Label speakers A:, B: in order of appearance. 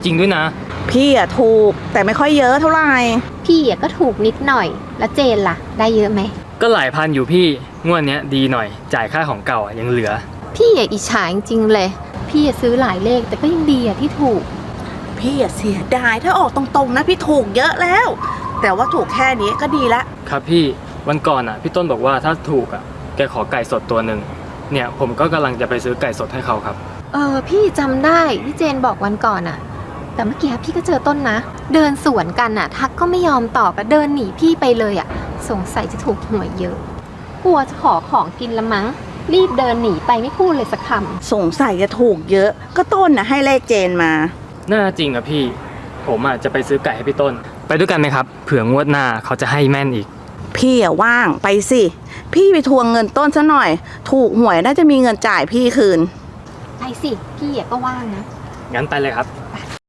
A: จริงด้วยนะ
B: พี่อะถูกแต่ไม่ค่อยเยอะเท่าไหร่
C: พี่ก็ถูกนิดหน่อยแล้วเจนล่ะได้เยอะไหม
A: ก็หลายพันอยู่พี่งวดเนี้ยดีหน่อยจ่ายค่าของเก่ายังเหลือ
C: พี่อิจฉาจริงๆเลยพี่ซื้อหลายเลขแต่ก็ยังดีที่ถูก
B: พี่เสียดายถ้าออกตรงๆนะพี่ถูกเยอะแล้วแต่ว่าถูกแค่นี้ก็ดีละ
A: ครับพี่วันก่อนพี่ต้นบอกว่าถ้าถูกแกขอไก่สดตัวหนึ่งเนี่ยผมก็กำลังจะไปซื้อไก่สดให้เขาครับ
C: พี่จำได้ที่เจนบอกวันก่อนแต่เมื่อกี้พี่ก็เจอต้นนะเดินสวนกันทักก็ไม่ยอมตอบเดินหนีพี่ไปเลยสงสัยจะถูกหวยเยอะกลัวจะขอของกินละมั้งรีบเดินหนีไปไม่พูดเลยสักค
B: ำสงสัยจะถูกเยอะก็ต้นให้เลขเจนมา
A: น่าจริงพี่ผมจะไปซื้อไก่ให้พี่ต้นไปด้วยกันไหมครับเผื่องวดหน้าเขาจะให้แม่นอีก
B: พี่ว่างไปสิพี่ไปทวงเงินต้นซะหน่อยถูกหวยน่าจะมีเงินจ่ายพี่คืน
C: ไปสิพี่ก็ว่างนะ
A: งั้นไปเลยครับ